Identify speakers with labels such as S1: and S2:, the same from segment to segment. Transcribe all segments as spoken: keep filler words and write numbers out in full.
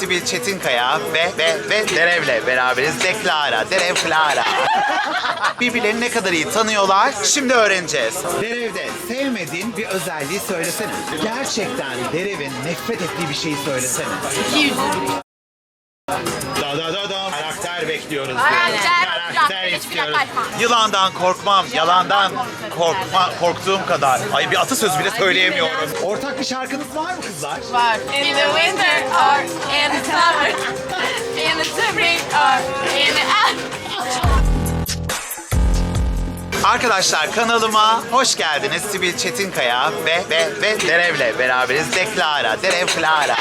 S1: Sibil Çetinkaya ve ve ve Derev'le beraberiz. Deklara, Derev Clara. Birbirlerini ne kadar iyi tanıyorlar şimdi öğreneceğiz. Derev'de sevmediğin bir özelliği söylesene. Gerçekten Derev'in nefret ettiği bir şeyi söylesene.
S2: İki yüzlülük.
S1: Da da da da. Karakter bekliyoruz.
S2: Karakter,
S1: Karakter istiyoruz. Yılandan korkmam, yalandan korkma, korktuğum kadar. Ay bir atasöz bile söyleyemiyorum. Ortak bir şarkınız var mı kızlar?
S2: Var. In the winter or in the summer, in the spring or in the...
S1: Arkadaşlar kanalıma hoş geldiniz. Sibil Çetinkaya ve ve ve Derev'le beraberiz. Deklara, Derev Clara.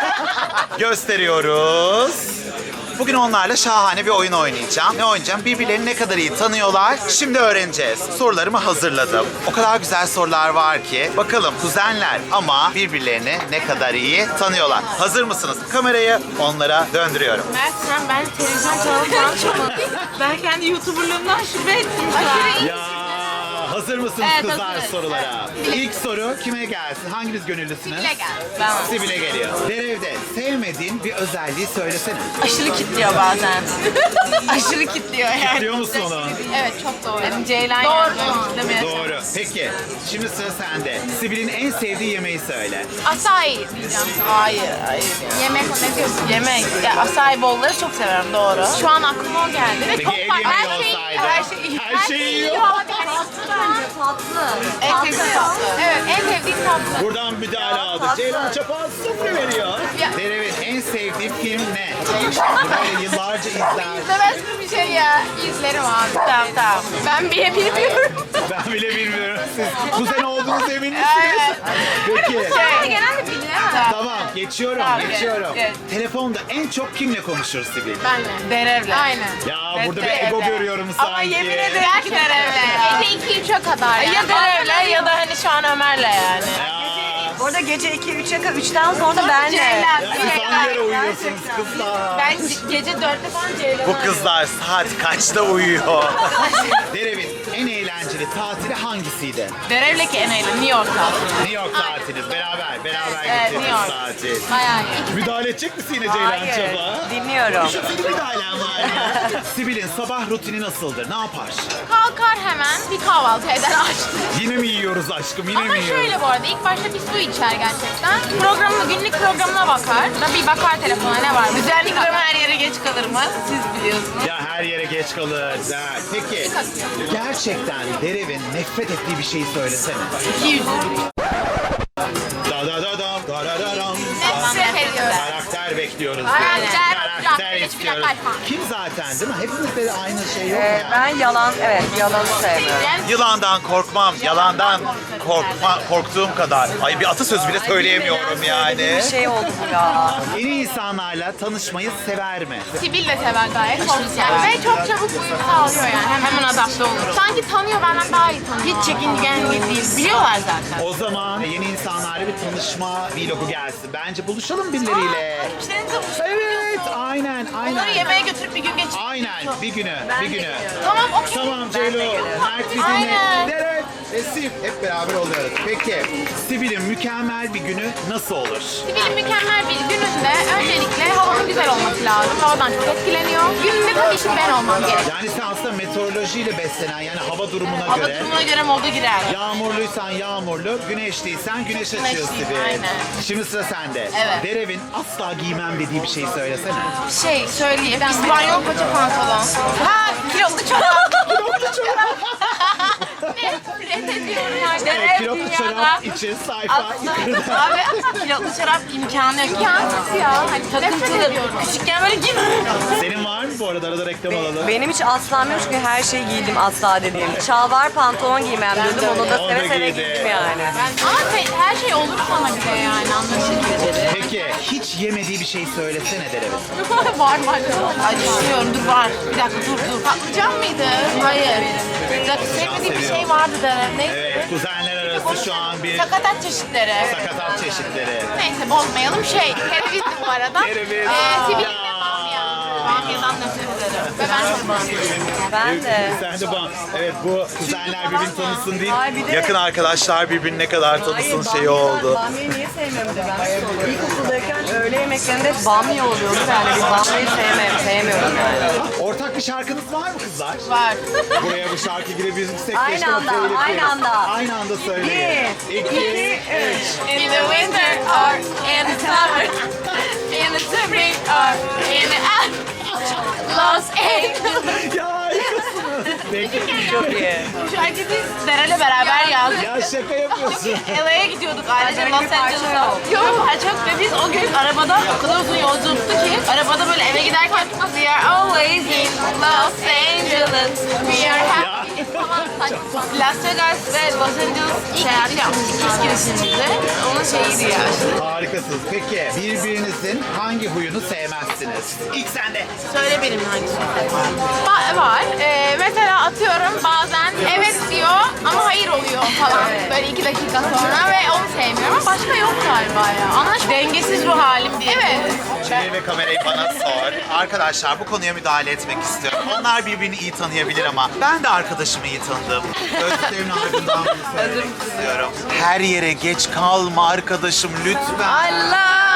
S1: Gösteriyoruz. Bugün onlarla şahane bir oyun oynayacağım. Ne oynayacağım? Birbirlerini ne kadar iyi tanıyorlar şimdi öğreneceğiz. Sorularımı hazırladım. O kadar güzel sorular var ki. Bakalım kuzenler ama birbirlerini ne kadar iyi tanıyorlar. Hazır mısınız? Kamerayı onlara döndürüyorum.
S2: Mert sen ben televizyon kanalı falan açmadım. Ben kendi YouTuber'lığımdan şüphe ettim şu an.
S1: Ya hazır mısınız
S2: Evet,
S1: kızlar
S2: hazırız.
S1: sorulara? İlk soru kime gelsin? Hanginiz gönüllüsünüz?
S2: Sibil'e gel. Ben.
S1: Sibil'e geliyor. Derev'de sevmediğin bir özelliği söylesene.
S2: Aşırı kitliyor bazen. Aşırı kitliyor yani.
S1: Biliyor musun onu?
S2: Evet çok doğru. Benim Ceylan doğru.
S1: Doğru. Peki. Şimdi sıra sende. Sibil'in en sevdiği yemeği söyle.
S2: Asay diyeceğim. Hayır, hayır. Yemek ne diyorsun? Yemek. Ya asay bolları çok severim doğru. Şu an aklıma o geldi. Ve
S1: Peki
S2: çok
S1: ev
S2: farklı.
S1: yemeği
S2: Her şey,
S1: olsaydı?
S2: her şey iyi.
S1: Her şeyi yiyor.
S3: Tatlı.
S2: En sevdiğim tatlı. Evet, en sevdiğim tatlı.
S1: Buradan müdahale aldık. Ceylan Çapaz sıfır veriyor.
S2: Ya.
S1: Derev'in en sevdiği film ne? Böyle yıllarca izler.
S2: İzlemez mi bir şey ya? İzlerim abi. Tamam tamam. Ben bile bilmiyorum.
S1: Ben bile bilmiyorum. Siz kuzen olduğunuz emin misiniz?
S2: Evet.
S1: Peki.
S2: Şey, genelde bilinemez.
S1: Tamam geçiyorum
S2: Tamam,
S1: geçiyorum.
S2: geç, geç.
S1: Telefonda en çok kimle konuşuruz Sibil?
S2: Benle. Derevle. Aynen.
S1: Ya burada bir ego görüyorum sanki.
S2: Ama yemin ederim ki Derevle. Gece iki üçe kadar yani.
S4: Ya Derev'le ya da hani şu an Ömer'le yani.
S1: Ya,
S3: Orada gece iki üçe kadar üçten sonra benle.
S2: Ceylan.
S1: ya siz hangi yere uyuyorsunuz kızlar?
S2: Ben ge- gece dörtte falan Ceylan'ı
S1: Bu kızlar saat kaçta uyuyor? Derev'in en eğlenceli tatili hangisiydi?
S2: Derevle ki en eğlenceli. New York'ta.
S1: New York tatiliz. Beraber, beraber
S2: Evet,
S1: gittiğimiz
S2: New York.
S1: tatil.
S2: Bayağı iyi.
S1: Müdahale edecek misin yine Ceylan
S3: Hayır.
S1: Çaba?
S3: Dinliyorum.
S1: Şu senin müdahalen var ya. Sibil'in sabah rutini nasıldır? Ne yapar?
S2: Kalkar hemen bir kahvaltı eder açtı.
S1: Yine mi yiyoruz aşkım? Yine
S2: Ama
S1: mi yiyoruz?
S2: şöyle bu arada ilk başta bir su içer gerçekten. Programına, günlük programına bakar. Da bir bakar telefona ne var.
S4: Güzellik ama her yere geç kalır mı? Siz biliyorsunuz.
S1: Ya her yere geç kalır. Ha, Peki gerçekten Derev'in nefret ettiği bir şeyi söylesene.
S2: İki yüzlülük.
S1: Da da da da da da da dam.
S2: Nefret ediyorum.
S1: Karakter bekliyoruz.
S2: Karakter,
S1: Karakter
S2: hiçbir
S1: istiyoruz.
S2: kaçma.
S1: Kim zaten değil mi? Hepimizde de aynı şey yok mu
S3: Ee,
S1: ya?
S3: ben yalan, evet yalanı sevmiyorum.
S2: Yani
S1: Yılandan korkmam, yalandan korkma, korktuğum kadar. Ay bir atasöz bile söyleyemiyorum yani.
S3: Bir şey oldu bu ya.
S1: Yeni insanlarla tanışmayı sever mi?
S2: Sibil de sever gayet. Çok güzel. Ve çok çabuk uyum sağlıyor yani. Hemen, hemen adapte olurum. Sanki tanıyor benden daha iyi tanıyor. Hiç çekingen değil. Biliyorlar zaten.
S1: O zaman yeni insanlarla bir tanışma vlogu gelsin. Bence buluşalım birileriyle.
S2: İşlerinizi
S1: Evet, aynen,
S2: Onları
S1: aynen.
S2: yemeğe götürüp bir gün geçirip.
S1: Aynen, bir günü, bir günü.
S2: Tamam okey.
S1: Tamam Ceylo, Mert Vidin'le,
S2: Aynen.
S1: Deret ve Sib hep beraber oluyoruz. Peki, Sibil'in mükemmel bir günü nasıl olur?
S2: Sibil'in mükemmel bir gününde öncelikle havanın güzel olması lazım. Havadan çok etkileniyor. Gününde tabii ki ben olmam gerekiyor.
S1: Yani sen aslında meteorolojiyle beslenen, yani hava durumuna
S2: Hava
S1: göre.
S2: durumuna göre moda girer.
S1: Yağmurluysan yağmurlu, güneşliysen güneş açıyor
S2: Güneşliyim,
S1: Sibil.
S2: aynen.
S1: Şimdi sıra sende.
S2: Evet.
S1: Derev'in asla giymem dediği bir şey söylesene.
S2: Şey söyleyeyim. İspanyol paça pantolon. Ha kilotlu çorap.
S1: Kilotlu çorap.
S2: Nefret ediyorum artık.
S1: Evet, kilotlu çorap için sayfa yukarıda.
S4: Abi kilotlu şarap imkanı yok.
S2: İmkansız ya. Hani nefret
S4: Takıntılı.
S2: ediyorum.
S4: Küçükken böyle giyme.
S1: Senin var mı bu arada? Arada reklam alalım.
S3: Benim hiç aslam yok çünkü her şeyi giydim asla dediğim. Şalvar pantolon giymem dedim onu da
S1: Onu
S3: seve
S1: da
S3: seve
S1: giydi.
S3: giydim yani.
S2: Ama te- her şey olur sana göre yani anlaşılır.
S1: Peki, hiç yemediği bir şey söylesene Derev'in.
S2: var var.
S4: Ay düşünüyorum dur var. Bir dakika dur dur.
S2: Patlıcan mıydı? Hayır.
S4: Bir dakika sevmediğim bir şey vardı Derem. Neydi?
S1: Evet, kuzenler arası şu an bir
S2: Sakatat çeşitleri.
S1: sakatat çeşitleri.
S2: Neyse bozmayalım şey. Kereviz bu arada.
S1: Kereviz.
S2: Ee, Sibil'in
S1: Ya.
S2: de bamya.
S4: Bamya'dan nefret ederim. Ve ben çok bamyayım.
S3: Ben de.
S1: Sen de bana. Evet bu kuzenler birbirini tanısın değil.
S3: Ay, bir de-
S1: Yakın arkadaşlar birbirini ne kadar tanısın şeyi
S3: bamyadan-
S1: oldu.
S3: Bamyayı niye sevmiyorum de ben soruyorum. İlkokuldayken öğle yemeklerinde hep bamya oluyordu. Yani bir bamyayı sevmem, sevmiyorum yani.
S1: Ortak bir şarkınız var mı kızlar?
S4: Var.
S1: Buraya bu şarkı girebilirsek
S3: Aynı
S1: keşke
S3: anda,
S1: söyleyelim.
S3: aynı anda.
S1: Aynı anda söyleyin.
S3: Bir,
S1: İki,
S3: üç.
S4: In the winter or in the summer. In the spring or in the Los Angeles.
S1: Ya harikasınız. Peki.
S3: Çok iyi.
S4: Bu şarkıyı biz Derel'le beraber yazdık.
S1: Ya şaka yapıyorsun.
S4: L A'ya gidiyorduk ailece
S3: Böyle
S4: Los
S3: bir parça
S4: Angeles'a.
S3: yok.
S4: Yok çok ve biz o gün arabada o kadar uzun yolculuktu ki arabada böyle eve giderken we are always in Los Angeles. We are happy. Las Vegas ve Los Angeles seyahati yapmıştık ilk girişimizde. Onun şeyiydi ya.
S1: Harikasınız. Peki birbirinizin hangi huyunu sevmezsiniz? İlk sende.
S4: Söyle benim hangisi?
S2: Ba- var. Ee, mesela atıyorum bazen evet diyor ama hayır oluyor falan. Böyle iki dakika sonra ve onu sevmiyorum ama başka yok galiba ya. Anlaş
S4: Dengesiz ruh halim diye.
S2: Evet.
S1: Çevir ve kamerayı bana sor. Arkadaşlar bu konuya müdahale etmek istiyorum. Onlar birbirini iyi tanıyabilir ama ben de arkadaşımı iyi tanıdım. Özlem'in ardından bunu söylemek istiyorum. Her yere geç kalma arkadaşım lütfen.
S3: Allah!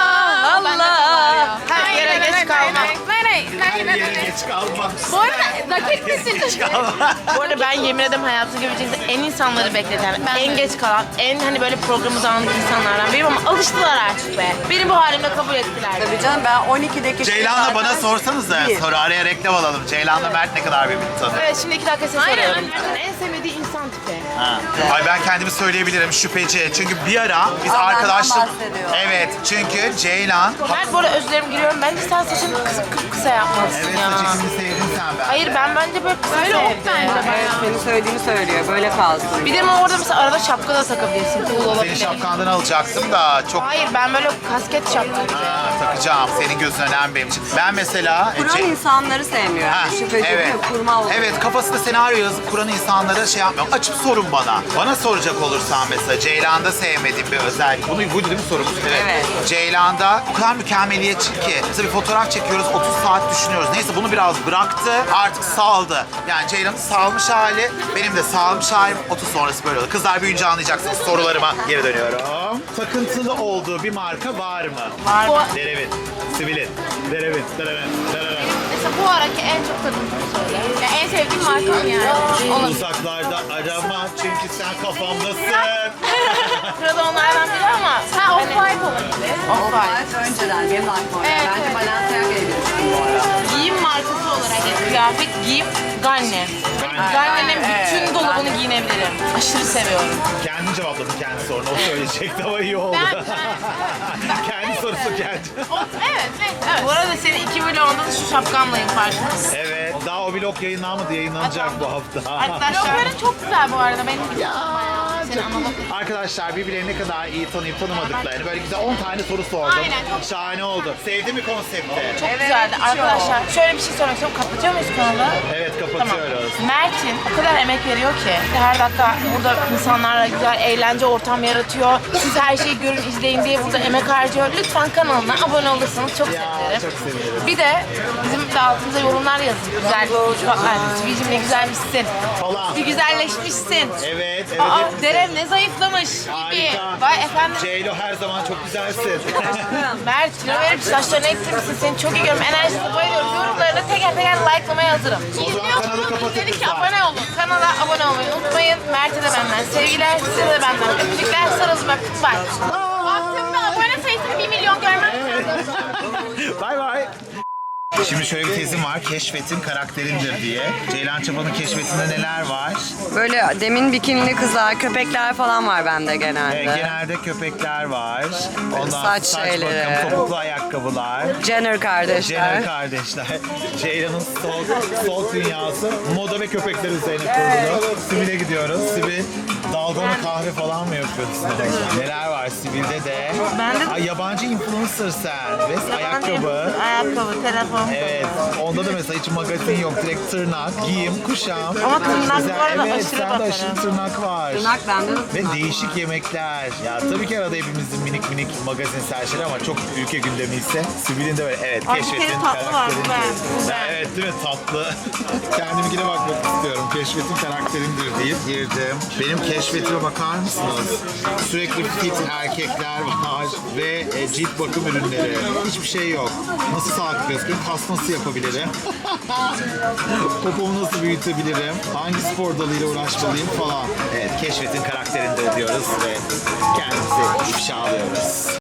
S3: Allah!
S4: Her yere geç kalma.
S1: Her yere geç kalma.
S2: Bu arada dakik misin?
S1: Geç kalma.
S4: Bu arada ben yemin ederim hayatımda görebileceğiniz en insanları bekleten, en geç kalan, en hani böyle programı dağınık insanlardan biriyim ama alıştılar artık be. Beni bu halimle kabul ettiler.
S3: Tabii canım ben on ikideki
S1: Ceylan'la bana sorsanız da
S3: Bir.
S1: sonra araya reklam alalım. Ceylan'la Mert ne kadar birbirini tanıyor?
S4: Evet şimdi iki dakika size
S2: Aynen.
S4: soruyorum. Mert'in en sevmediği insan tipi.
S1: Ha. Ay ben kendimi söyleyebilirim şüpheci. Çünkü bir ara biz
S3: Aa, benden
S1: arkadaşlık...
S3: bahsediyor.
S1: Evet çünkü Ceylan...
S4: Mert bu arada özür dilerim giriyorum. Bence sen saçını kısa, kısa yapmalısın
S1: Evet
S4: ya.
S1: saç ekimini sevdin sen ben.
S4: Hayır ben bence böyle kısa
S2: Öyle ok
S4: sevdim.
S2: bence
S3: Evet, senin söylediğini söylüyor. Böyle kalsın.
S4: Bir de ama orada mesela arada şapka da takabilirsin. Cool
S1: Senin
S4: olabilir.
S1: şapkandan alacaktım da çok...
S4: Hayır ben böyle kasket şapka gibi.
S1: Ha, takacağım. Senin gözün önemli benim için. Ben mesela...
S3: Kuran
S1: Ce-
S3: insanları sevmiyor.
S1: Ha,
S3: Yani şüpheci
S1: evet.
S3: değil mi? Kurma olur.
S1: Evet kafasında senaryo yazıp kuran insanlara şey yapmıyorum. Açıp sorun bana. Bana soracak olursan mesela Ceylan'da sevmediğim bir özellik. Bunu buydu değil mi sorumuz?
S3: Evet.
S1: Ceylan'da o kadar mükemmeliyetçi ki. Mesela bir fotoğraf çekiyoruz otuz saat düşünüyoruz. Neyse bunu biraz bıraktı artık saldı. Yani Ceylan'ın salmış hali benim de salmış halim otuz sonrası böyle oldu. Kızlar büyüyünce anlayacaksınız sorularıma geri dönüyorum. Takıntılı olduğu bir marka var mı?
S4: Var mı?
S1: Derevit, Sivilin, Derevit, Derevit, Derevit.
S2: Mesela bu araki en çok tadını söyle. Yani en sevdiğim markam yani. Olabilir.
S1: Uzaklarda arama çünkü sen kafamdasın.
S4: Sırada onlardan biri ama
S2: Ha off-white olabilir.
S4: Off-White.
S3: Önceden benim aklıma.
S2: Evet,
S3: Bence
S2: evet.
S3: Balenciaga'ya gidiyorsun bu ara.
S4: Giyim markası olarak yani kıyafet giyim Ganni. Ganni'nin bütün dolabını giyinebilirim. Aşırı seviyorum.
S1: Kendi cevapladı kendi sorunu. O söyleyecekti ama iyi oldu. Kendi sorusu kendi.
S2: O- evet, evet, evet.
S4: Bu arada senin iki vlogunda da şu şapkamlayım farkındasın.
S1: Evet. Daha o vlog yayınlanmadı. Yayınlanacak bu hafta.
S4: Arkadaşlar
S2: Blokların çok güzel bu arada. Benim
S1: Ya,
S2: Senin analog.
S1: Arkadaşlar birbirlerini ne kadar iyi tanıyıp tanımadıklarını böyle güzel on tane soru sordum.
S2: Aynen, çok
S1: Şahane oldu. Sevdi mi konsepti?
S4: çok güzeldi. Arkadaşlar şöyle bir şey sormak istiyorum. Kapatıyor muyuz kanalı?
S1: Evet
S4: Tamam.
S1: kapatıyoruz.
S4: Mert'in o kadar emek veriyor ki her dakika burada insanlarla güzel eğlence ortam yaratıyor. Siz her şeyi görün izleyin diye burada emek harcıyor. Lütfen kanalına abone olursanız çok
S1: Ya
S4: sevinirim.
S1: çok sevinirim.
S4: Bir de bizim de altımıza yorumlar yazın. Güzel, şubatlar, Sivicim ne güzelmişsin.
S1: Falan.
S4: Bir güzelleşmişsin.
S1: Evet, evet.
S4: Aa,
S1: hep-
S4: Derev ne zayıflamış.
S1: Harika.
S4: Vay efendim.
S1: Ceylo her zaman çok güzelsin.
S4: Mert kilo verip saçlarını ektirmişsin. Seni çok iyi görüyorum. Enerjisine bayılıyorum. Yorumlarını teker teker like'lamaya hazırım.
S1: O zaman kanalı kapatın
S2: İzledik ki
S1: kızlar.
S2: abone olun.
S4: Kanala abone olmayı unutmayın. Mert'e de benden sevgiler. Size de benden öpücükler. Sarılın öptüm. Bye.
S2: Baktığımda abone sayısını bir milyon görmem lazım.
S1: Bay bay. Şimdi şöyle bir tezim var. Keşfetin karakterindir diye. Ceylan Çapa'nın keşfetinde neler var?
S3: Böyle demin bikinili kızlar, köpekler falan var bende genelde.
S1: Ee, genelde köpekler var. Ondan
S3: Saç
S1: saç
S3: şeyleri.
S1: bakım, topuklu ayakkabılar.
S3: Jenner kardeşler.
S1: Jenner kardeşler. Ceylan'ın sol, sol dünyası moda ve köpekler üzerine kurulu. Sibel'e gidiyoruz. Sibel Dalgona kahve falan mı yapıyorsun? Neler var Sibil'de de?
S3: Ben de-
S1: Ay, yabancı influencer sen. Ve ayakkabı.
S3: Ayakkabı, telefon.
S1: Evet. Onda da mesela hiç magazin yok. Direkt tırnak, giyim, kuşam.
S3: Ama tırnak
S1: Güzel.
S3: bu arada
S1: Evet,
S3: aşırı
S1: sende
S3: bakarım.
S1: aşırı tırnak var.
S3: Tırnak bende de
S1: Ve
S3: tırnak
S1: değişik yemekler. Ya tabii ki arada hepimizin minik minik magazinsel şeyler ama çok ülke gündemi ise Sibil'in de böyle evet
S3: Ay, bir
S1: keşfetin
S3: kere tatlı var, bu
S1: karakterindir.
S3: ben, bu
S1: Ya
S3: ben.
S1: evet değil mi tatlı? Kendiminkine bakmak istiyorum. Keşfetin karakterindir deyip girdim. Benim keşfetime bakar mısınız? Sürekli fit erkekler var ve e, cilt bakım ürünleri. Hiçbir şey yok. Nasıl sağlıklı beslerim? Kas nasıl yapabilirim? Popomu nasıl büyütebilirim? Hangi spor dalıyla uğraşmalıyım falan. Evet keşfetin karakterindir diyoruz ve kendimizi ifşa alıyoruz.